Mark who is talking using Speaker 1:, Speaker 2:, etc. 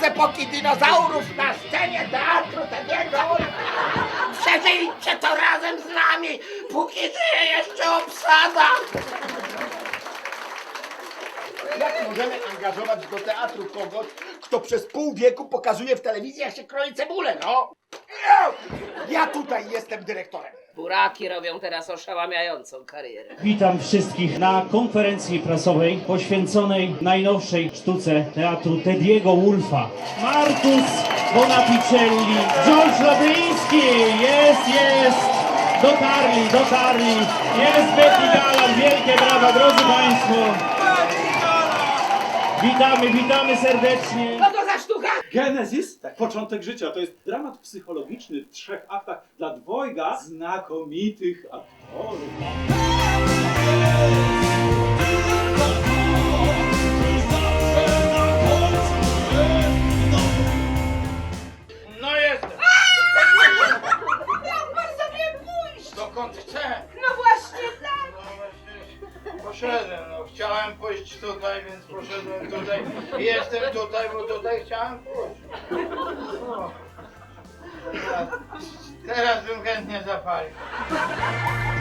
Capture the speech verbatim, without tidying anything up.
Speaker 1: z epoki dinozaurów na scenie teatru Tediego. Przeżyjcie to razem z nami, póki żyje jeszcze obsada. Jak możemy angażować do teatru kogoś, kto przez pół wieku pokazuje w telewizji, jak się kroi cebulę, no? Ja tutaj jestem dyrektorem.
Speaker 2: Buraki robią teraz oszałamiającą karierę.
Speaker 3: Witam wszystkich na konferencji prasowej poświęconej najnowszej sztuce teatru Tediego Wolfa. Marcus Bonapicelli, George Labyński, jest, jest, dotarli, dotarli, jest Betty Galan, wielkie brawa, drodzy Państwo. Witamy, witamy serdecznie.
Speaker 2: Co to za sztuka?
Speaker 4: Genezis, tak, początek życia, to jest dramat psychologiczny w trzech aktach dla dwojga znakomitych aktorów.
Speaker 1: No jestem.
Speaker 2: Jak pan sobie pójść?
Speaker 1: Dokąd chcę?
Speaker 2: No właśnie tak.
Speaker 1: No właśnie, poszedłem, no chciałem pójść tutaj, więc poszedłem tutaj i jestem tutaj, bo tutaj chciałem pójść. No. Teraz, teraz bym chętnie zapalił.